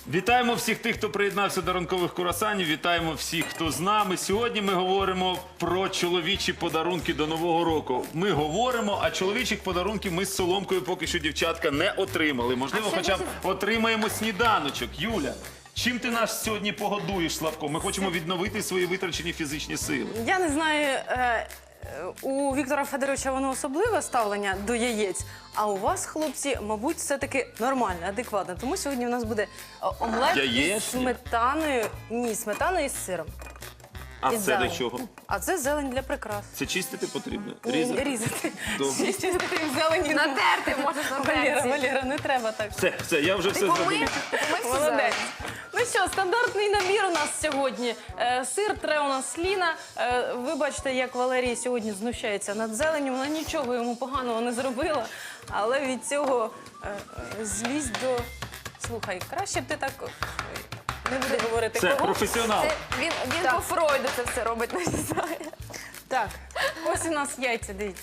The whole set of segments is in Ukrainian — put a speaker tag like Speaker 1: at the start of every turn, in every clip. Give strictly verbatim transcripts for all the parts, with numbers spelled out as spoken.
Speaker 1: Вітаємо всіх тих, хто приєднався до ранкових курасанів. Вітаємо всіх, хто з нами. Сьогодні ми говоримо про чоловічі подарунки до Нового року. Ми говоримо, а чоловічих подарунків ми з Соломкою поки що, дівчатка, не отримали. Можливо, хоча б отримаємо сніданочок. Юля, чим ти нас сьогодні погодуєш, Славко? Ми хочемо відновити свої витрачені фізичні сили.
Speaker 2: Я не знаю, е, у Віктора Федоровича воно особливе ставлення до яєць, а у вас, хлопці, мабуть, все-таки нормальне, адекватне. Тому сьогодні у нас буде е, омлет із
Speaker 1: Яєчня?
Speaker 2: сметаною, ні, сметаною із сиром.
Speaker 1: А
Speaker 2: І
Speaker 1: це
Speaker 2: зелень.
Speaker 1: для чого?
Speaker 2: А це зелень для прикрас.
Speaker 1: Це чистити потрібно?
Speaker 2: Ні,
Speaker 1: Різати?
Speaker 2: Різати.
Speaker 1: Добре.
Speaker 2: Чистити зелені.
Speaker 3: Натерти можеш на
Speaker 2: Валера,
Speaker 3: терці.
Speaker 2: Валера, не треба так.
Speaker 1: Все, все, я вже все
Speaker 3: Ти
Speaker 1: зробив.
Speaker 3: помив? Ти помив всю
Speaker 2: Молодець.
Speaker 3: зелень?
Speaker 2: Ну що, стандартний набір у нас сьогодні. Е, Сир тре у нас Ліна. Е, Ви бачите, як Валерій сьогодні знущається над зеленню. Вона нічого йому поганого не зробила, але від цього е, е, злість до... Слухай, краще б ти так... Ой, не буду говорити
Speaker 1: Це
Speaker 2: кого.
Speaker 1: професіонал.
Speaker 3: Це він він
Speaker 2: Так.
Speaker 3: по Фройду це все робить, не знаю.
Speaker 2: Так, ось у нас яйця, дивіться.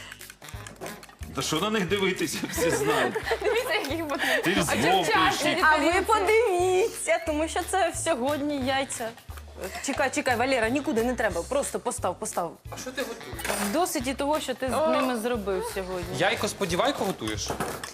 Speaker 1: Та що на них дивитися, всі знають.
Speaker 3: Дивіться, яких буде.
Speaker 1: Ти з
Speaker 3: А
Speaker 1: Вовкою
Speaker 3: дівчата,
Speaker 1: ще.
Speaker 2: А ви подивіться, тому що це сьогодні яйця. Чекай, чекай, Валера, нікуди не треба. Просто постав, постав.
Speaker 4: А що ти готуєш?
Speaker 2: Досить і того, що ти з ними зробив сьогодні.
Speaker 4: Яйко сподівайко готуєш?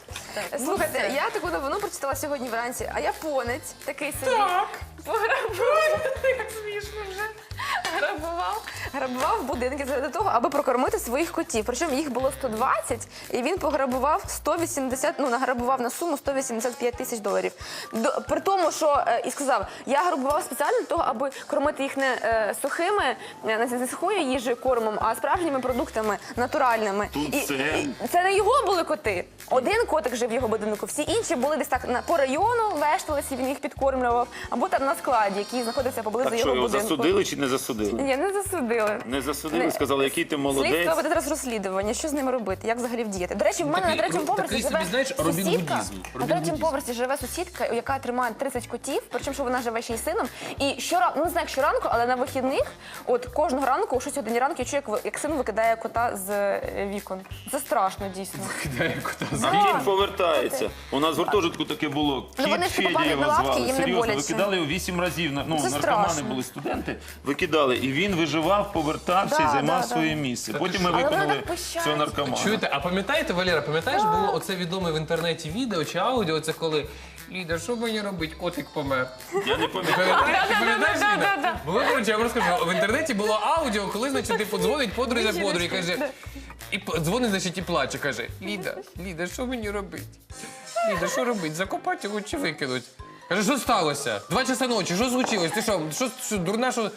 Speaker 3: Слухайте, я таку новину прочитала сьогодні вранці, а японець такий собі. Так. Пограбував. Як смішно вже. Грабував. Грабував будинки заради того, аби прокормити своїх котів. Причому їх було сто двадцять, і він пограбував сто вісімдесят, ну, награбував на суму сто вісімдесят п'ять тисяч доларів. До, при тому, що, е, і сказав, я грабував спеціально для того, аби кормити їх не е, сухими, не, не сухою їжею, кормом, а справжніми продуктами, натуральними.
Speaker 1: Тут
Speaker 3: І-
Speaker 1: це-
Speaker 3: і- це не його були коти. Один котик жив в його будинку, всі інші були десь так на, по району, вешталися, він їх підкормлював, або там на складі, який знаходився поблизу
Speaker 1: Так
Speaker 3: його
Speaker 1: що, його
Speaker 3: будинку.
Speaker 1: засудили чи не засудили?
Speaker 3: Ні, не засудили.
Speaker 1: Не засудили,
Speaker 3: Не.
Speaker 1: сказали, який ти
Speaker 3: Слідство
Speaker 1: молодець.
Speaker 3: веде зараз розслідування, що з ними робити, як взагалі вдіяти. До речі, в мене
Speaker 4: Такий-
Speaker 3: на третьому
Speaker 4: ну,
Speaker 3: поверсі
Speaker 4: такий
Speaker 3: живе
Speaker 4: собі, знаєш, Робін
Speaker 3: сусідка.
Speaker 4: Гудізм.
Speaker 3: На
Speaker 4: Робін
Speaker 3: третьому
Speaker 4: Гудізм.
Speaker 3: поверсі живе сусідка, яка тримає тридцять котів, причому що вона живе ще й сином. І щоранку, ну не знаю, як щоранку, але на вихідних, от кожного ранку, о шостій годині ранку, я чую, як, ви- як син викидає кота з е, вікон. Це страшно, дійсно.
Speaker 4: Кидає кота з
Speaker 1: А він повертається. У нас в гуртожитку таке було.
Speaker 3: Ну,
Speaker 1: Кіт
Speaker 3: вони ж
Speaker 1: Федя
Speaker 3: попали
Speaker 1: його
Speaker 3: на лавки,
Speaker 1: звали.
Speaker 3: їм не
Speaker 1: Серйозно,
Speaker 3: боляче.
Speaker 1: викидали його вісім разів. Ну,
Speaker 3: Це
Speaker 1: наркомани
Speaker 3: страшно.
Speaker 1: були студенти, викидали. І він виживав, повертався
Speaker 3: Да,
Speaker 1: і займав
Speaker 3: да,
Speaker 1: своє
Speaker 3: да.
Speaker 1: місце. Потім ми
Speaker 3: Але вони
Speaker 1: виконали
Speaker 3: так пищать.
Speaker 1: цього наркомана.
Speaker 4: Чуєте, а пам'ятаєте, Валера, пам'ятаєш, було оце відоме в інтернеті відео чи аудіо, це коли Ліда, що мені робить, котик помер.
Speaker 1: Я не пам'ятаю.
Speaker 4: Пам'ятаєш, ти пам'ятаєш, Ліда? Було, коротше, я вам розкажу, в інтернеті було аудіо, коли, значить, типу, дзвонить подрузя подружі і каже, і п- дзвонить, значить, і плаче, каже, Ліда, Ліда, що мені робить? Ліда, що робить? Закопати його чи викинуть? Каже, що сталося? Два часа ночі, що случилось? Ти що, що, що дурна, що...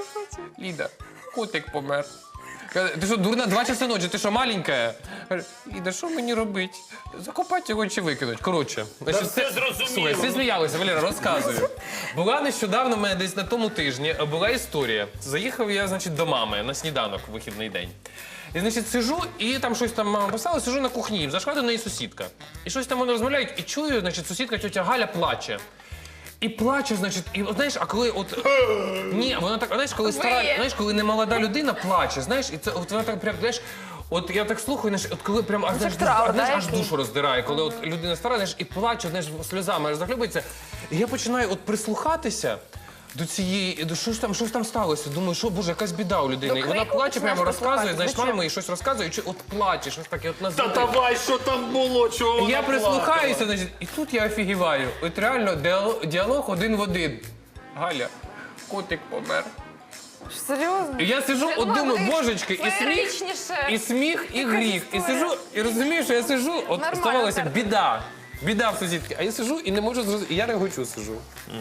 Speaker 4: Ліда, котик помер. Каже, ти що, дурна, два часа ночі, ти що, маленька? Каже, Ліда, що мені робити? Закопати його чи викинуть? Коротше. Значить,
Speaker 1: все зрозуміло.
Speaker 4: Слухай, всі сміялися, Валера, розказую. Була нещодавно, в мене десь на тому тижні, була історія. Заїхав я, значить, до мами на сніданок в вихідний день. І, значить, сиджу, і там щось там мама писала, сиджу на кухні, зайшла до неї сусідка. І щось там вони розмовляють, і чую, значить, сусідка тьотя Галя плаче. І плаче, значить, і от, знаєш, а коли от... Ні, вона так, знаєш, коли стара, знаєш, коли немолода людина плаче, знаєш, і це от вона так прям, знаєш, от я так слухаю, знаєш, от коли прям, аж, знаєш,
Speaker 3: траур,
Speaker 4: аж, знаєш,
Speaker 3: да,
Speaker 4: аж
Speaker 3: який?
Speaker 4: душу роздирає, коли от людина стара, знаєш, і плаче, знаєш, сльозами аж захлюбується. І я починаю от прислухатися до цієї, до що ж там, що ж там сталося? Думаю, що, боже, якась біда у людини.
Speaker 3: До
Speaker 4: І вона
Speaker 3: крику
Speaker 4: плаче,
Speaker 3: починаєш
Speaker 4: прямо розказує,
Speaker 3: прислухатися.
Speaker 4: знаєш,
Speaker 3: Зачем?
Speaker 4: мама їй щось розказує, і чи- от плаче, щось таке, от
Speaker 1: Та
Speaker 4: назвати.
Speaker 1: давай, що там було, чого вона
Speaker 4: Я
Speaker 1: плакала?
Speaker 4: прислухаюся, значить, і тут я офігіваю. От реально діалог, діалог один в один. Галя, котик помер.
Speaker 3: Серйозно?
Speaker 4: І я сижу, от думаю, божечки, і сміх,
Speaker 3: Феєричніше.
Speaker 4: і сміх, і гріх. І сижу, і розумію, що я сижу, от
Speaker 3: Нормально,
Speaker 4: ставалося
Speaker 3: так.
Speaker 4: біда. Біда в сусідки. А я сижу і не можу зрозуміти. І я регочу сижу.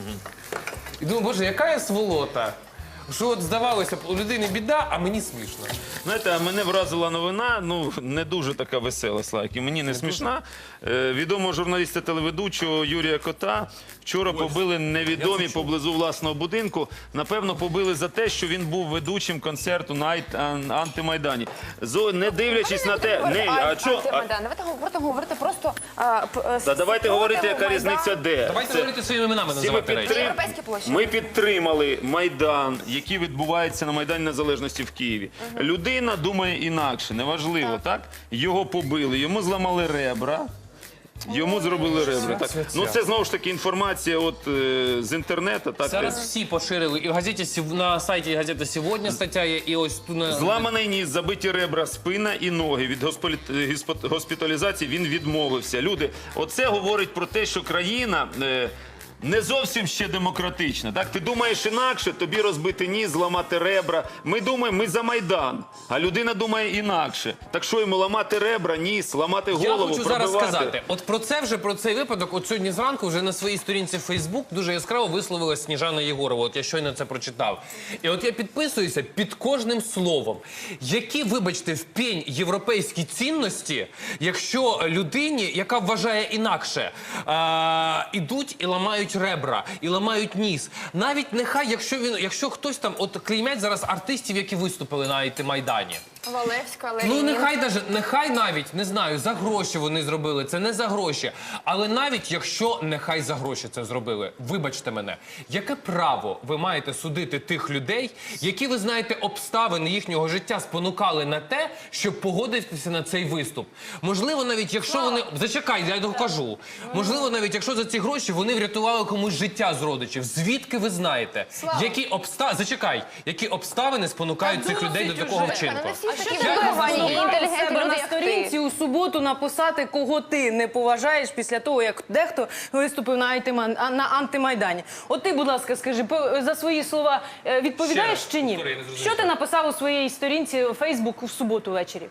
Speaker 4: І думаю, боже, яка я сволота. Що от здавалося б, у людини біда, а мені смішно.
Speaker 1: Знаєте, а мене вразила новина, ну, не дуже така весела, Слайк, і мені не смішна. Е, відомого журналіста телеведучого Юрія Кота вчора побили невідомі поблизу власного будинку. Напевно, побили за те, що він був ведучим концерту на Ай- Ан- антимайдані. Зо, не дивлячись на те... Не, а що? А,
Speaker 3: Давайте говорити, говорити просто... а, п- е,
Speaker 1: та давайте
Speaker 3: спротиву
Speaker 1: говорити, яка
Speaker 3: Майдану.
Speaker 1: різниця де.
Speaker 4: Давайте
Speaker 1: Це-
Speaker 4: говорити своїми іменами
Speaker 1: Всі ми,
Speaker 4: називати речі.
Speaker 1: підтрим...
Speaker 3: Європейські площі.
Speaker 1: ми підтримали Майдан, який відбувається на Майдані Незалежності в Києві. Людина думає інакше, неважливо, так? Його побили, йому зламали ребра. Йому зробили ребра. Так.
Speaker 4: Ця-ця-ця.
Speaker 1: Ну це знову ж таки інформація от, е, з інтернету. Так,
Speaker 4: Зараз всі поширили. І в газеті «Сів- на сайті газети «Сьогодні» стаття є, і ось тут на...
Speaker 1: Зламаний ніс, забиті ребра, спина і ноги. Від госполі- гіспо- госпіталізації він відмовився. Люди, оце говорить про те, що країна е, не зовсім ще демократична. Так? Ти думаєш інакше, тобі розбити ніс, зламати ребра. Ми думаємо, ми за Майдан, а людина думає інакше. Так що йому ламати ребра, ніс, ламати голову,
Speaker 4: Я хочу зараз
Speaker 1: пробивати?
Speaker 4: сказати, от про це вже, про цей випадок, от сьогодні зранку вже на своїй сторінці в Фейсбук дуже яскраво висловилась Сніжана Єгорова. От я щойно це прочитав. І от я підписуюся під кожним словом. Які, вибачте, в пень європейські цінності, якщо людині, яка вважає інакше, а, ідуть і ламають ребра, і ламають ніс. Навіть нехай, якщо він, якщо хтось там, от клеймять зараз артистів, які виступили на ай ти-майдані.
Speaker 3: Валевська,
Speaker 4: Ну,
Speaker 3: Ленін.
Speaker 4: нехай даже, нехай навіть, не знаю, за гроші вони зробили, це не за гроші. Але навіть якщо нехай за гроші це зробили, вибачте мене, яке право ви маєте судити тих людей, які, ви знаєте, обставини їхнього життя спонукали на те, щоб погодитися на цей виступ? Можливо, навіть якщо вони... Зачекай, я докажу. Можливо, навіть якщо за ці гроші вони врятували комусь життя з родичів. Звідки ви знаєте? Які обста... Зачекай, які обставини спонукають цих людей до такого вчинку?
Speaker 3: А що
Speaker 2: Такі
Speaker 3: ти виховані і
Speaker 2: себе
Speaker 3: інтелігентні
Speaker 2: на
Speaker 3: люди, як
Speaker 2: сторінці
Speaker 3: ти?
Speaker 2: у суботу написати, кого ти не поважаєш після того, як дехто виступив на, антиман- а, на антимайдані. От ти, будь ласка, скажи, по- за свої слова е, відповідаєш
Speaker 4: Ще раз,
Speaker 2: чи ні?
Speaker 4: повтори, я не зрозумів.
Speaker 2: Що ти написав у своїй сторінці у Фейсбук в суботу ввечері?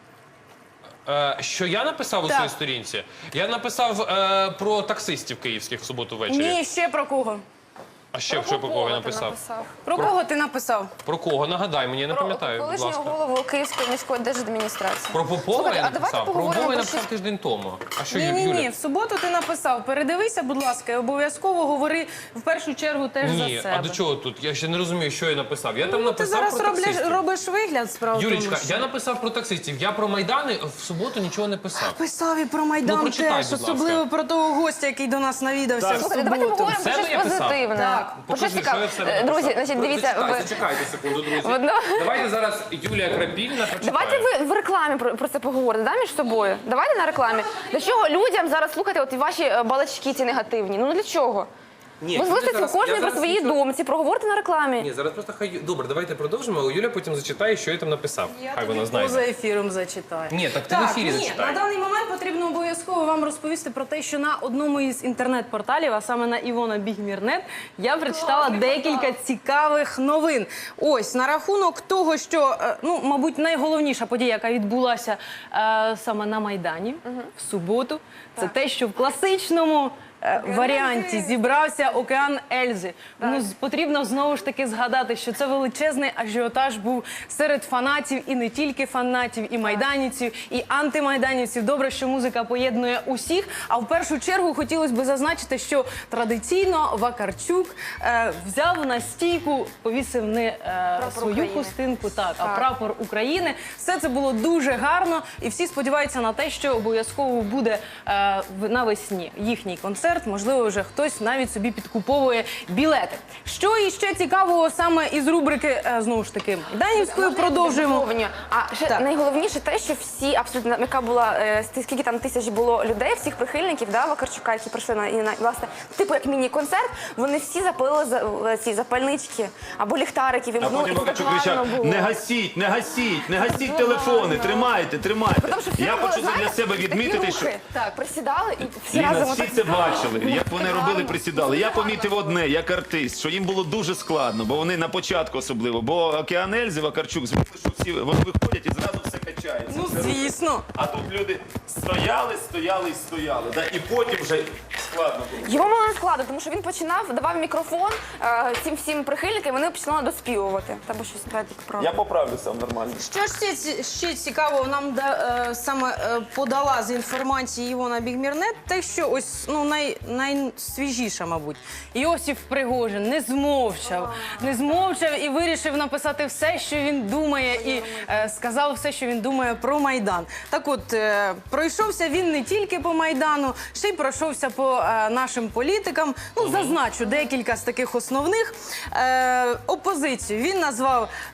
Speaker 4: Е, що я написав у
Speaker 2: Так.
Speaker 4: своїй сторінці? Я написав е, про таксистів київських в суботу ввечері.
Speaker 2: Ні, ще про кого?
Speaker 4: А ще що про кого я
Speaker 3: ти
Speaker 4: написав?
Speaker 2: Про кого ти написав?
Speaker 4: Про кого? Нагадай мені, я не пам'ятаю, будь
Speaker 3: Колишнього
Speaker 4: ласка.
Speaker 3: голову Київської міської держадміністрації.
Speaker 4: Про Попова
Speaker 3: Слухайте,
Speaker 4: я
Speaker 3: а давайте
Speaker 4: написав? Про
Speaker 3: поговоримо
Speaker 4: Попова я
Speaker 3: про
Speaker 4: написав
Speaker 3: щось-
Speaker 4: тиждень тому. А що,
Speaker 2: Ні,
Speaker 4: Ю-
Speaker 2: ні,
Speaker 4: Юля?
Speaker 2: ні, в суботу ти написав. Передивися, будь ласка, і обов'язково говори в першу чергу теж
Speaker 4: Ні,
Speaker 2: за себе.
Speaker 4: а до чого тут? Я ще не розумію, що я написав. Я там
Speaker 2: Ну, ти
Speaker 4: написав
Speaker 2: зараз
Speaker 4: про
Speaker 2: робиш,
Speaker 4: таксистів.
Speaker 2: робиш вигляд, справа в тому,
Speaker 4: Юлічка,
Speaker 2: що-
Speaker 4: я написав про таксистів. Я про Майдани в суботу нічого не писав.
Speaker 2: Писав і про Майдан
Speaker 4: Ну, прочитай,
Speaker 2: теж,
Speaker 4: будь ласка.
Speaker 2: особливо про того гостя, який до нас навідався
Speaker 1: Так.
Speaker 2: в
Speaker 3: Слухайте, давайте
Speaker 2: суботу.
Speaker 3: поговоримо про
Speaker 4: Себе
Speaker 3: щось
Speaker 4: я писав?
Speaker 3: позитивне.
Speaker 2: Так.
Speaker 3: Про
Speaker 4: Покажи,
Speaker 3: щось
Speaker 4: що я в
Speaker 3: цікаве.
Speaker 4: себе
Speaker 3: Е, Друзі,
Speaker 4: написав.
Speaker 3: значить, дивіться,
Speaker 4: Зачекайте,
Speaker 3: ви...
Speaker 4: зачекайте секунду, друзі.
Speaker 3: В одно-
Speaker 4: Давайте зараз Юлія Крапільна прочитає.
Speaker 3: Давайте ви в рекламі про, про це поговорите, да, між собою? Давайте на рекламі. Для чого людям зараз слухати от ваші е, балачки ці негативні? Ну для чого?
Speaker 4: Ні,
Speaker 3: Ви
Speaker 4: Юля
Speaker 3: залишите
Speaker 4: зараз-
Speaker 3: кожен
Speaker 4: я
Speaker 3: про
Speaker 4: зараз
Speaker 3: свої
Speaker 4: нічого-
Speaker 3: думці, проговорите на рекламі.
Speaker 4: Ні, зараз просто хай... Добре, давайте продовжимо, а Юля потім зачитає, що я там написав. Хай вона знає.
Speaker 2: Поза ефіром зачитаю.
Speaker 4: Ні, так ти в ефірі
Speaker 2: ні,
Speaker 4: зачитай.
Speaker 2: на даний момент потрібно обов'язково вам розповісти про те, що на одному із інтернет-порталів, а саме на Івона Бігмірнет, я прочитала декілька цікавих новин. Ось, на рахунок того, що, е, ну, мабуть, найголовніша подія, яка відбулася е, саме на Майдані в суботу, це те, що в класичному е, варіанті зібрався океан Ельзи. Ну, з- потрібно знову ж таки згадати, що це величезний ажіотаж був серед фанатів, і не тільки фанатів, і майданівців, і антимайданівців. Добре, що музика поєднує усіх. А в першу чергу хотілося б зазначити, що традиційно Вакарчук е, взяв на стійку, повісив не е,
Speaker 3: Прапор
Speaker 2: свою
Speaker 3: України.
Speaker 2: хустинку, так, а
Speaker 3: Так.
Speaker 2: прапор України. Все це було дуже гарно, і всі сподіваються на те, що обов'язково буде е, в- навесні їхній концерт. Можливо, вже хтось навіть собі підкуповує білети. Що іще цікавого саме із рубрики, е, знову ж таки, Майданівської, продовжуємо.
Speaker 3: Доповнення. А ще
Speaker 2: Так.
Speaker 3: найголовніше те, що всі абсолютно, яка була е, сти- скільки там тисяч було людей, всіх прихильників, да, Вакарчука, які прийшли на, і на власне, типу як міні-концерт, вони всі запалили за, е, ці запальнички або ліхтарики
Speaker 1: А
Speaker 3: вімкнули,
Speaker 1: потім
Speaker 3: і це так
Speaker 1: Вакарчук
Speaker 3: гарно
Speaker 1: кричав:
Speaker 3: було.
Speaker 1: не гасіть, не гасіть, не гасіть
Speaker 3: Дуже
Speaker 1: телефони,
Speaker 3: гарно.
Speaker 1: тримайте, тримайте.
Speaker 3: Тому що всі
Speaker 1: Я
Speaker 3: робили,
Speaker 1: хочу це для
Speaker 3: знаєте,
Speaker 1: себе
Speaker 3: такі
Speaker 1: відмітити, що
Speaker 3: рухи. Так, присідали і всі
Speaker 1: Ліна,
Speaker 3: разом
Speaker 1: всі
Speaker 3: отак.
Speaker 1: це бачили, як вони
Speaker 3: Так
Speaker 1: робили,
Speaker 3: гарно.
Speaker 1: присідали. Я помітив одне, як артист, що їм було дуже складно, бо вони на початку особливо, бо океан Ельзи, Вакарчук, звикли, що всі вони виходять і зразу все качається.
Speaker 2: Ну,
Speaker 1: все
Speaker 2: звісно.
Speaker 1: А тут люди стояли, стояли і стояли. Да? І потім вже складно було.
Speaker 3: Його було не складно, тому що він починав, давав мікрофон е, цим всім прихильникам, і вони починали доспівувати. Там щось тільки правда.
Speaker 1: Я поправлю сам нормально.
Speaker 2: Що ж ще, ці- ще цікавого нам да, е, саме е, подала з інформації Івона Бігмірнет, те, що ось ну най, найсвіжіша, мабуть, Йосиф Пригожин не змовчав, не змовчав і вирішив написати все, що він думає, і е, сказав все, що він думає про Майдан. Так от, е, пройшовся він не тільки по Майдану, ще й пройшовся по е, нашим політикам. Ну, зазначу декілька з таких основних. Е, опозицію він назвав е,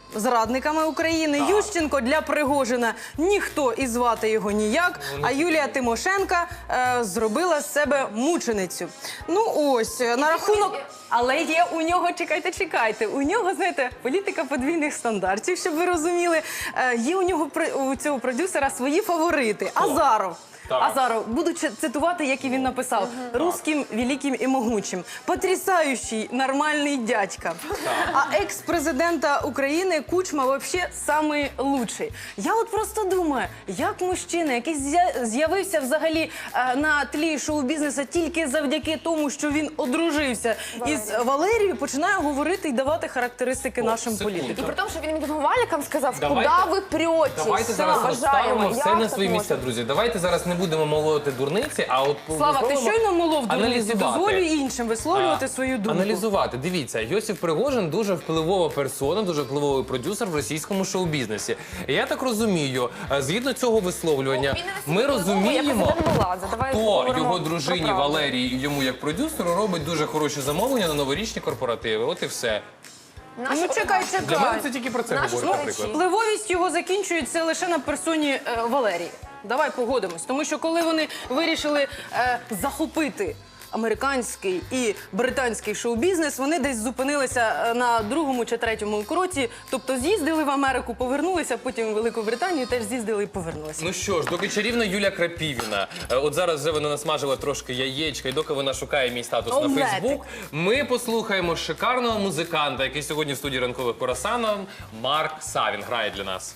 Speaker 2: зрадниками України. Ющенко для Пригожина ніхто і звати його ніяк. А Юлія Тимошенка е, зробила з себе мученицю. Ну ось, е, на рахунок... Але є у нього, чекайте, чекайте, у нього, знаєте, політика подвійних стандартів, щоб ви розуміли. Е, є у нього, при- у цього продюсера свої фаворити. Азаров.
Speaker 4: Так.
Speaker 2: Азаров, буду чи- цитувати, як і він написав. «Русским, великим і могучим. Потрясающий, нормальний дядька». А екс-президента України Кучма вообще самий лучший. Я от просто думаю, як мужчина, який з'я- з'явився взагалі е, на тлі шоу-бізнесу тільки завдяки тому, що він одружився із Валерією, починає говорити і давати характеристики нашим
Speaker 4: секунду.
Speaker 3: І
Speaker 2: політикам.
Speaker 3: при тому, що він відмовальникам сказав, куди
Speaker 4: Давайте-
Speaker 3: ви прете.
Speaker 4: Давайте зараз розставимо все на свої місця, друзі. Давайте зараз не будемо молоти дурниці, а от
Speaker 2: Слава, ти
Speaker 4: попробуємо
Speaker 2: щойно молов дурниці,
Speaker 4: аналізувати.
Speaker 2: дозволю іншим висловлювати
Speaker 4: А,
Speaker 2: свою думку.
Speaker 4: Аналізувати. Дивіться, Йосиф Пригожин дуже впливова персона, дуже впливовий продюсер в російському шоу-бізнесі. І я так розумію, е, згідно цього висловлювання, ми розуміємо, хто його дружині Валерії і йому як продюсеру робить дуже хороші замовлення на новорічні корпоративи. От і все.
Speaker 2: Ну чекай,
Speaker 4: Для мене
Speaker 2: чекай.
Speaker 4: це тільки про це
Speaker 3: Наші
Speaker 4: говорить,
Speaker 3: слухачі.
Speaker 4: наприклад.
Speaker 2: Впливовість його закінчується лише на персоні е, Валерії. Давай погодимось. Тому що коли вони вирішили е, захопити американський і британський шоу-бізнес, вони десь зупинилися е, на другому чи третьому кроці. Тобто з'їздили в Америку, повернулися, потім в Велику Британію теж з'їздили і повернулися.
Speaker 4: Ну що ж, доки чарівна Юля Крапівіна, е, от зараз вже вона насмажила трошки яєчка, і доки вона шукає мій статус на
Speaker 2: Омлетик.
Speaker 4: Фейсбук, ми послухаємо шикарного музиканта, який сьогодні в студії ранкових Курасанов, Марк Савін грає для нас.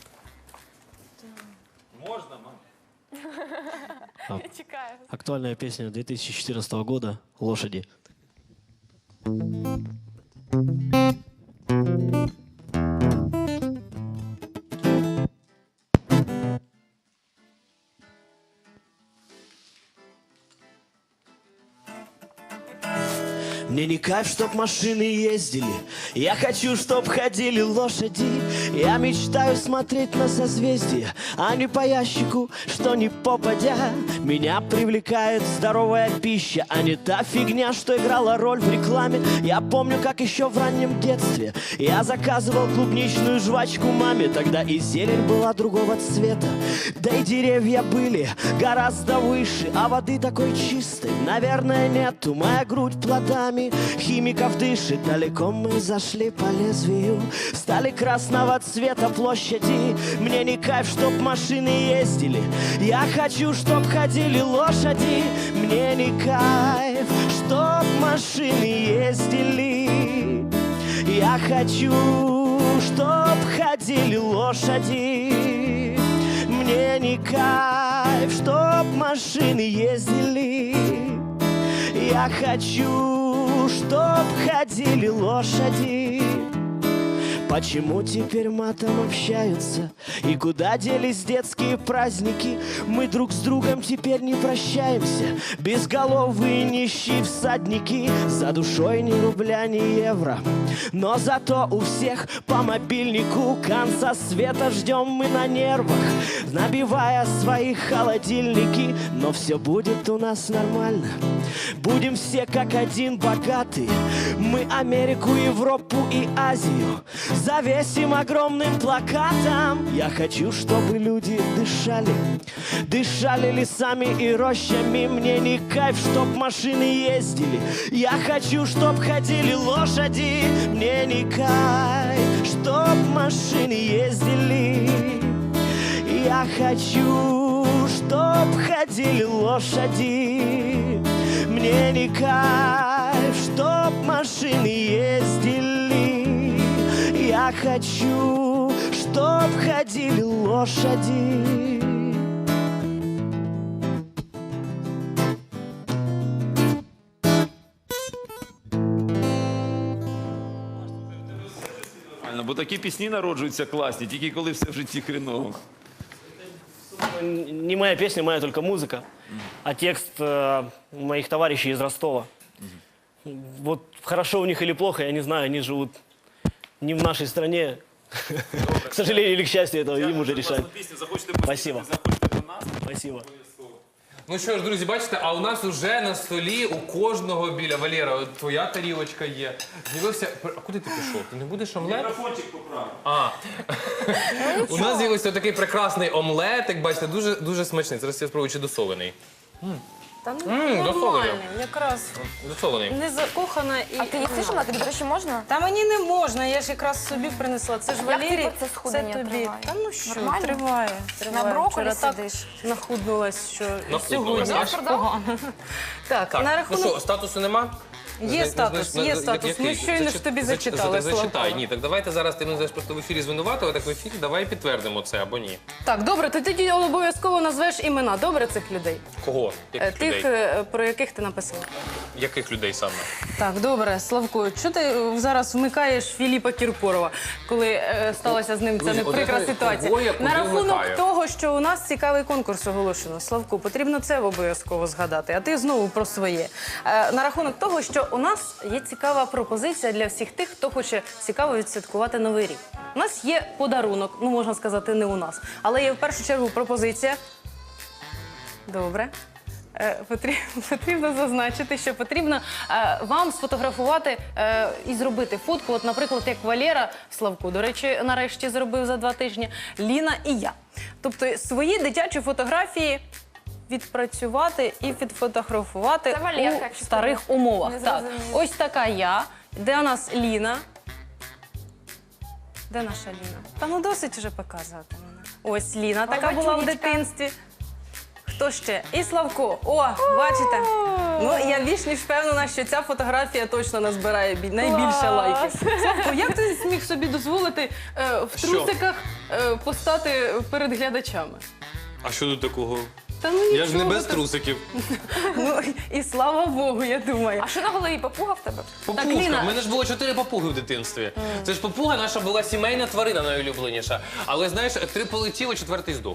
Speaker 1: Можна, мам?
Speaker 5: Актуальная песня две тысячи четырнадцатого года «Лошади». Мне не кайф, чтоб машины ездили, я хочу, чтоб ходили лошади. Я мечтаю смотреть на созвездия, а не по ящику, что не попадя. Меня привлекает здоровая пища, а не та фигня, что играла роль в рекламе. Я помню, как еще в раннем детстве я заказывал клубничную жвачку маме. Тогда и зелень была другого цвета, да и деревья были гораздо выше, а воды такой чистой, наверное, нету. Моя грудь плодами химиков дышит. Далеко мы зашли по лезвию, стали красного цвета площади. Мне не кайф, чтоб машины ездили, я хочу, чтоб ходили лошади. Мне не кайф, чтоб машины ездили, я хочу, чтоб ходили лошади. Мне не кайф, чтоб машины ездили, я хочу, чтоб ходили лошади. Почему теперь матом общаются? И куда делись детские праздники? Мы друг с другом теперь не прощаемся. Безголовые нищие всадники, за душой ни рубля, ни евро. Но зато у всех по мобильнику конца света ждем мы на нервах, набивая свои холодильники. Но все будет у нас нормально, будем все как один богаты. Мы Америку, Европу и Азию завесим огромным плакатом. Я хочу, чтобы люди дышали, дышали лесами и рощами. Мне не кайф, чтоб машины ездили, я хочу, чтоб ходили лошади. Мне не кайф, чтоб машины ездили, я хочу, чтоб ходили лошади. Мне не кайф, чтоб машины ездили, я хочу, чтоб ходили лошади.
Speaker 1: Правильно, бо такі пісні народжуються класні, тільки коли все в житті хреново.
Speaker 6: Не моя песня, моя только музыка, а текст э, моих товарищей из Ростова. Вот хорошо у них или плохо, я не знаю, они живут не в нашей стране. К сожалению или к счастью, это им уже решать.
Speaker 1: Пісню, захочете
Speaker 6: Спасибо.
Speaker 1: заходьте до нас.
Speaker 6: Спасибо.
Speaker 4: Ну що ж, друзі, бачите, а у нас уже на столі у кожного біля Валера, от твоя тарілочка є. З'явився. А куди ти пішов? Ти не будеш омлет?
Speaker 1: Мікрофончик поправив.
Speaker 4: А. У нас з'явився такий прекрасний омлетик, бачите, дуже, дуже смачний. Зараз я спробую, чи досолений.
Speaker 2: Та ну,
Speaker 4: М,
Speaker 2: нормальний,
Speaker 4: досолений.
Speaker 2: якраз
Speaker 4: Досолений.
Speaker 2: не закохана і...
Speaker 3: А ти їсиш омлет? Тобі, до речі, можна?
Speaker 2: Та мені не можна, я ж якраз собі принесла. Це ж
Speaker 3: Як
Speaker 2: Валерій,
Speaker 3: твій процес
Speaker 2: це
Speaker 3: схуднення
Speaker 2: тобі.
Speaker 3: триває?
Speaker 2: Та ну що,
Speaker 3: Нормально?
Speaker 2: триває, триває.
Speaker 3: На брокколі
Speaker 2: Вчора так
Speaker 3: сидиш?
Speaker 2: нахуднулась, що і
Speaker 4: Нахуднулась,
Speaker 2: сьогодні
Speaker 4: так?
Speaker 2: аж погано. Так,
Speaker 4: Так,
Speaker 2: на
Speaker 4: ну
Speaker 2: рахунок...
Speaker 4: що, статусу нема?
Speaker 2: Є
Speaker 4: Зна-
Speaker 2: статус,
Speaker 4: знаєш,
Speaker 2: є
Speaker 4: на-
Speaker 2: статус.
Speaker 4: який?
Speaker 2: Ми щойно ж
Speaker 4: Зачи-
Speaker 2: тобі
Speaker 4: зач-
Speaker 2: зачитали,
Speaker 4: за- Зачитай.
Speaker 2: Славко.
Speaker 4: Ні, так давайте зараз ти мене знаєш, просто в ефірі звинуватила, так в ефірі давай підтвердимо це або ні.
Speaker 2: Так, добре, ти тоді обов'язково назвеш імена, добре, цих людей?
Speaker 4: Кого?
Speaker 2: Е,
Speaker 4: Яких
Speaker 2: Тих,
Speaker 4: людей?
Speaker 2: е, про яких ти написав.
Speaker 4: Яких людей саме?
Speaker 2: Так, добре, Славко, що ти е, зараз вмикаєш Філіпа Кіркорова, коли е, сталася з ним ця
Speaker 4: Друзі,
Speaker 2: неприкра
Speaker 4: от я
Speaker 2: ситуація?
Speaker 4: кого я куди
Speaker 2: На рахунок
Speaker 4: вмикаю?
Speaker 2: того, що у нас цікавий конкурс оголошено. Славку, потрібно це обов'язково згадати, а ти знову про своє. Е, на рахунок того, що у нас є цікава пропозиція для всіх тих, хто хоче цікаво відсвяткувати Новий рік. У нас є подарунок, ну можна сказати, не у нас, але є в першу чергу пропозиція. Добре. Е, потрібно, потрібно зазначити, що потрібно е, вам сфотографувати е, і зробити фотку. От, наприклад, як Валера Славко, до речі, нарешті зробив за два тижні, Ліна і я. Тобто свої дитячі фотографії відпрацювати і відфотографувати
Speaker 3: Це Валерка,
Speaker 2: у
Speaker 3: якщо
Speaker 2: старих
Speaker 3: ти
Speaker 2: умовах.
Speaker 3: не
Speaker 2: Так,
Speaker 3: зрозумів.
Speaker 2: ось така я, де у нас Ліна. Де наша Ліна? Та ну досить вже показувати мене. Ось Ліна така була в
Speaker 3: бачунечка.
Speaker 2: дитинстві. Хто ще? І Славко. О, бачите? Ну, я більш ніж впевнена, що ця фотографія точно назбирає бі- найбільше лайків. Славко, як ти зміг собі дозволити е, в
Speaker 4: Що?
Speaker 2: трусиках е, постати перед глядачами?
Speaker 4: А що тут такого?
Speaker 2: Та ну
Speaker 4: Я ж не
Speaker 2: нічого
Speaker 4: без
Speaker 2: так.
Speaker 4: трусиків.
Speaker 2: Ну, і слава Богу, я думаю.
Speaker 3: А що на голові папуга в тебе?
Speaker 4: Папуга.
Speaker 2: Ліна.
Speaker 4: У мене ж було чотири папуги в дитинстві. Це ж папуга наша була сімейна тварина найулюбленіша. Але знаєш, три полетіло, четвертий здох.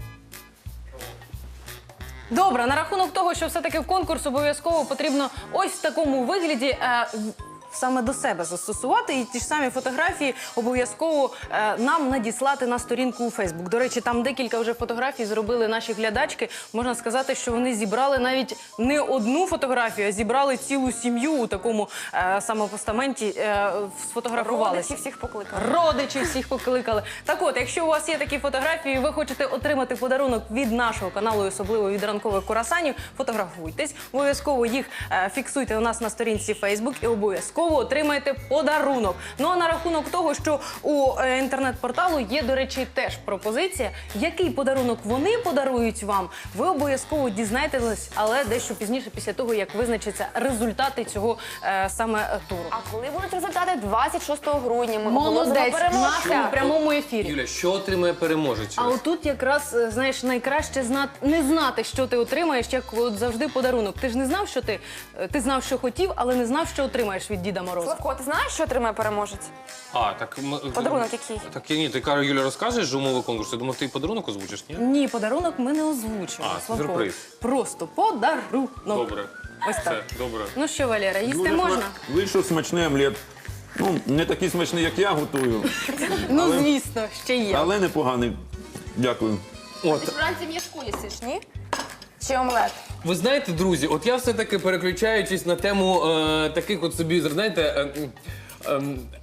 Speaker 2: Добре, на рахунок того, що все-таки в конкурс обов'язково потрібно ось в такому вигляді е, в- саме до себе застосувати. І ті ж самі фотографії обов'язково е, нам надіслати на сторінку у Фейсбук. До речі, там декілька вже фотографій зробили наші глядачки. Можна сказати, що вони зібрали навіть не одну фотографію, а зібрали цілу сім'ю у такому е, самопостаменті, е, сфотографувалися.
Speaker 3: Родичів всіх покликали.
Speaker 2: Родичів всіх покликали. Так от, якщо у вас є такі фотографії, і ви хочете отримати подарунок від нашого каналу, і особливо від ранкових курасанів, фотографуйтесь. Обов'язково їх е, фіксуйте у нас на сторінці Facebook і обов'язково отримаєте подарунок. Ну а на рахунок того, що у е, інтернет-порталу є, до речі, теж пропозиція, який подарунок вони подарують вам, ви обов'язково дізнаєтесь, але дещо пізніше, після того, як визначаться результати цього е, саме е, туру.
Speaker 3: А коли будуть результати? двадцять шостого грудня. Ми
Speaker 2: Молодець, в
Speaker 3: оголосимо
Speaker 2: нашому
Speaker 3: переможця.
Speaker 2: прямому ефірі.
Speaker 4: Юля, що отримує переможець?
Speaker 2: А отут якраз, е, знаєш, найкраще знати, не знати, що ти отримаєш, як от завжди подарунок. Ти ж не знав, що ти, е, ти знав, що хотів, але не знав, що отримаєш від Діда Мороза.
Speaker 3: Славко, ти знаєш, що отримає переможець?
Speaker 4: А, так... м-
Speaker 3: Подарунок який?
Speaker 4: Так, ні, ти, Кара, Юля, розкажеш же умови конкурсу? Я думав, ти і подарунок озвучиш, ні?
Speaker 2: Ні, подарунок ми не озвучуємо.
Speaker 4: А,
Speaker 2: Славко.
Speaker 4: сюрприз.
Speaker 2: Просто подарунок.
Speaker 4: Добре.
Speaker 2: Ось так.
Speaker 4: Все, добре.
Speaker 2: Ну що, Валера, їсти
Speaker 1: Дуже
Speaker 2: можна?
Speaker 1: сма- Вийшов смачний омлет. Ну, не такий смачний, як я готую,
Speaker 2: Ну, звісно, ще є.
Speaker 1: але непоганий. Дякую.
Speaker 4: От,
Speaker 3: Ти ж вранці м'яску їсиш, ні? Чи омлет?
Speaker 4: ви знаєте, друзі, от я все-таки переключаючись на тему е, таких от собі, знаєте, е, е,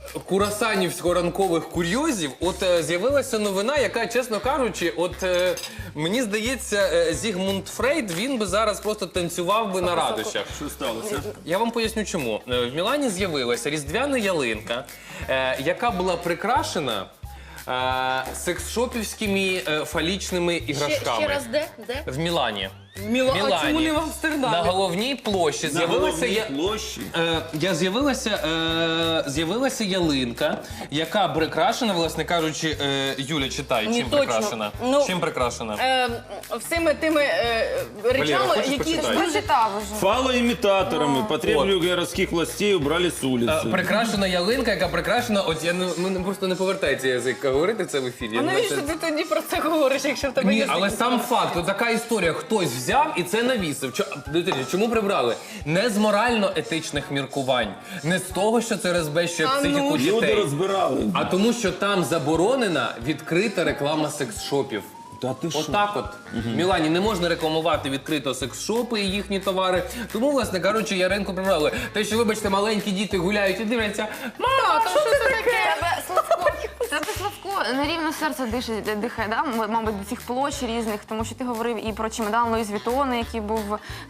Speaker 4: курасанівсько-ранкових курйозів, от е, з'явилася новина, яка, чесно кажучи, от е, мені здається, е, Зігмунд Фрейд, він би зараз просто танцював би на радощах.
Speaker 1: Що сталося?
Speaker 4: Я вам поясню чому. Е, В Мілані з'явилася різдвяна ялинка, е, яка була прикрашена е, секс-шопівськими е, фалічними іграшками.
Speaker 2: Ще, ще раз де? Де?
Speaker 4: В Мілані.
Speaker 2: Міло...
Speaker 4: Мілані.
Speaker 2: А чому не в Амстердамі?
Speaker 4: На головній площі
Speaker 1: На
Speaker 4: з'явилася
Speaker 1: головній
Speaker 4: я...
Speaker 1: площі.
Speaker 4: Е, я з'явилася, е, з'явилася ялинка, яка прикрашена, власне кажучи, е, Юля, читай,
Speaker 2: Ні,
Speaker 4: чим
Speaker 2: точно.
Speaker 4: прикрашена?
Speaker 2: Ну,
Speaker 4: чим прикрашена?
Speaker 2: Е, всіми тими е, речами,
Speaker 4: хочеш
Speaker 2: які
Speaker 4: почитай?
Speaker 2: дуже
Speaker 3: Прочитав уже.
Speaker 1: Фалоімітаторами потребую городських властей убрали з
Speaker 4: Е,
Speaker 1: вулиці.
Speaker 4: прикрашена ялинка, яка прикрашена, от я не, мене просто не повертається язик говорити це в ефірі.
Speaker 2: А
Speaker 4: Я не
Speaker 2: навіщо
Speaker 4: знаю,
Speaker 2: ти тоді про це говориш, якщо в тебе
Speaker 4: Ні,
Speaker 2: є
Speaker 4: але сам факт, от така історія, хтось взяв і це навісив. Чо- дивіться, чому прибрали? Не з морально-етичних міркувань, не з того, що це розбещує
Speaker 2: А ну.
Speaker 4: психіку
Speaker 1: Люди
Speaker 4: дітей,
Speaker 1: розбирали.
Speaker 4: а тому, що там заборонена відкрита реклама секс-шопів.
Speaker 1: Та ти що?
Speaker 4: Отак от. В Мілані не можна рекламувати відкрито секс-шопи і їхні товари. Тому, власне кажучи, Яринку прибрали. Те, що, вибачте, маленькі діти гуляють і дивляться, мама, що це таке?
Speaker 3: Тебе, Славко, тебе, Славко, на рівно серце дише, дихає, да? М- мабуть, до цих площ різних, тому що ти говорив і про чемодан Луїс Вітона, який був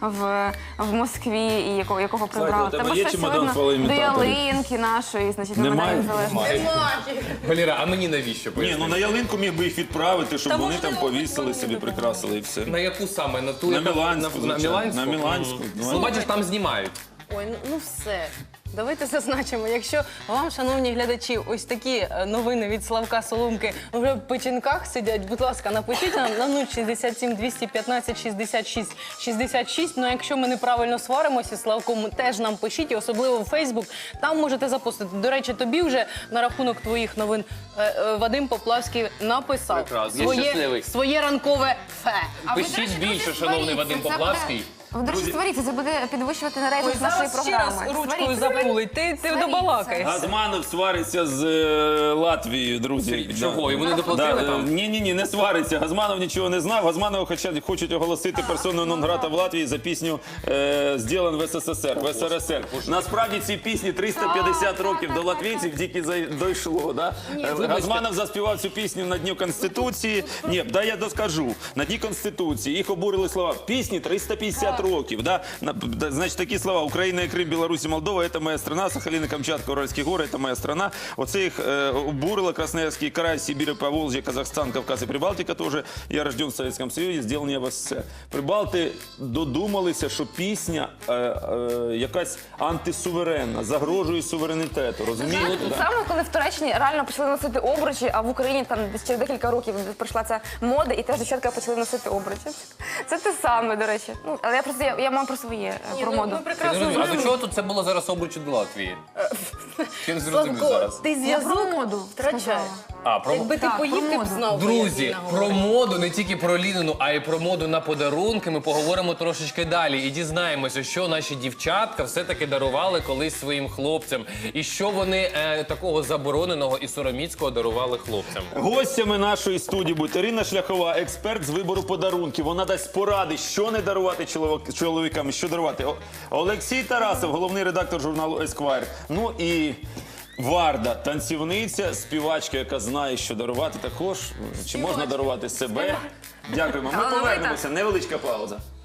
Speaker 3: в, в Москві, і якого, якого прибрали.
Speaker 1: у тебе є
Speaker 3: щось
Speaker 1: чемодан
Speaker 3: видно до
Speaker 1: фалоімітаторів?
Speaker 3: ялинки нашої, значить, на
Speaker 1: Немає?
Speaker 3: Майдані Незалежності.
Speaker 4: Валіра, а мені навіщо
Speaker 1: Ні,
Speaker 4: поясни?
Speaker 1: ну на ялинку міг би їх відправити, щоб
Speaker 2: Та
Speaker 1: вони
Speaker 2: можливо,
Speaker 1: там повісили
Speaker 2: вони
Speaker 1: собі,
Speaker 2: будуть.
Speaker 1: прикрасили і все.
Speaker 4: На яку саме? На ту,
Speaker 1: На
Speaker 4: яка-
Speaker 1: Міланську,
Speaker 4: на, на
Speaker 1: звичайно.
Speaker 4: Міланську?
Speaker 1: На Міланську.
Speaker 4: Ну, бачиш, там знімають.
Speaker 2: Ой, ну, ну все. Давайте зазначимо, якщо вам, шановні глядачі, ось такі е, новини від Славка Соломки вже в печінках сидять, будь ласка, напишіть нам на нуль шістдесят сім двісті п'ятнадцять шістдесят шість шістдесят шість. Ну, а якщо ми неправильно сваримося з Славком, теж нам пишіть, і особливо в Фейсбук, там можете запостити. До речі, тобі вже на рахунок твоїх новин е, е, Вадим Поплавський написав
Speaker 4: Прекрасно, я щасливий.
Speaker 2: своє, своє ранкове фе.
Speaker 3: А ви, до
Speaker 4: Пишіть
Speaker 3: речі,
Speaker 4: більше,
Speaker 3: друзі,
Speaker 4: шановний
Speaker 3: створіться.
Speaker 4: Вадим
Speaker 3: Це буде-
Speaker 4: Поплавський.
Speaker 3: Ви, до речі, створіться, це буде підвищувати на
Speaker 2: Ой,
Speaker 3: рейтинг нашої
Speaker 2: зараз ще раз
Speaker 3: програми.
Speaker 2: ручкою
Speaker 3: Створіться.
Speaker 2: запулить, ти, ти
Speaker 3: Створіться.
Speaker 2: добалакаєш.
Speaker 1: Газманов свариться з е, Латвією, друзі.
Speaker 4: Чого? Йому не доплатили там?
Speaker 1: Ні, ні, ні, не свариться. Газманов нічого не знав. Газманова хочуть, хочуть оголосити персоною нон-грата в Латвії за пісню е, «Зділан в СССР», в СРСР. Насправді ці пісні триста п'ятдесят років до латвійців тільки за- дійшло. Да? Е, Газманов заспівав цю пісню на Дню Конституції. Ні, да я доскажу. На Дні Конституції. Їх обурили слова. Пісні триста п'ятдесят років. Да? На- да, значить, такі слова: Україна, Крим, Білорусь і Молдова – це моя страна, Сахалин, Камчатка, Уральські гори – це моя страна. Оце їх е, обурило. Красноярський край, Сибір, Поволжя, Казахстан, Кавказ і Прибалтика теж. Я рожден в Совєтському Союзі, зроблені в СССР. Прибалти додумалися, що пісня е, е, якась антисуверенна, загрожує суверенітету. Розумієте?
Speaker 3: Тут
Speaker 1: Да?
Speaker 3: саме коли в Туреччині реально почали носити обручі, а в Україні там десь через декілька років прийшла ця мода, і теж дівчатка почали носити обручі. Це те саме, до речі. Ну, але я просто я, я мав про своє е, про моду.
Speaker 2: Ми
Speaker 4: Я не
Speaker 2: прекрасно
Speaker 4: розумію, а до
Speaker 2: знаємо.
Speaker 4: чого тут це було зараз обручі до Латвії? Я не зрозумів
Speaker 2: Славко,
Speaker 4: зараз.
Speaker 2: ти
Speaker 3: Я про
Speaker 2: зв'язок
Speaker 3: моду
Speaker 2: втрачаєш.
Speaker 3: сказала.
Speaker 4: А, про...
Speaker 2: Якби ти
Speaker 3: Так,
Speaker 2: поїв,
Speaker 3: про
Speaker 2: ти б
Speaker 3: моду.
Speaker 2: знав. би,
Speaker 4: Друзі,
Speaker 2: як Ліна
Speaker 4: про
Speaker 2: говорить.
Speaker 4: моду, не тільки про Лінину, а й про моду на подарунки ми поговоримо трошечки далі. І дізнаємося, що наші дівчатка все-таки дарували колись своїм хлопцям. І що вони е, такого забороненого і сороміцького дарували хлопцям.
Speaker 1: Гостями нашої студії буде Ірина Шляхова, експерт з вибору подарунків. Вона дасть поради, що не дарувати чоловік- чоловікам, і що дарувати. О- Олексій Тарасов, головний редактор журналу Esquire. Ну і Варда, танцівниця, співачка, яка знає, що дарувати також. Чи можна дарувати себе? Дякуємо. Ми
Speaker 3: Талановита.
Speaker 1: повернемося. Невеличка пауза.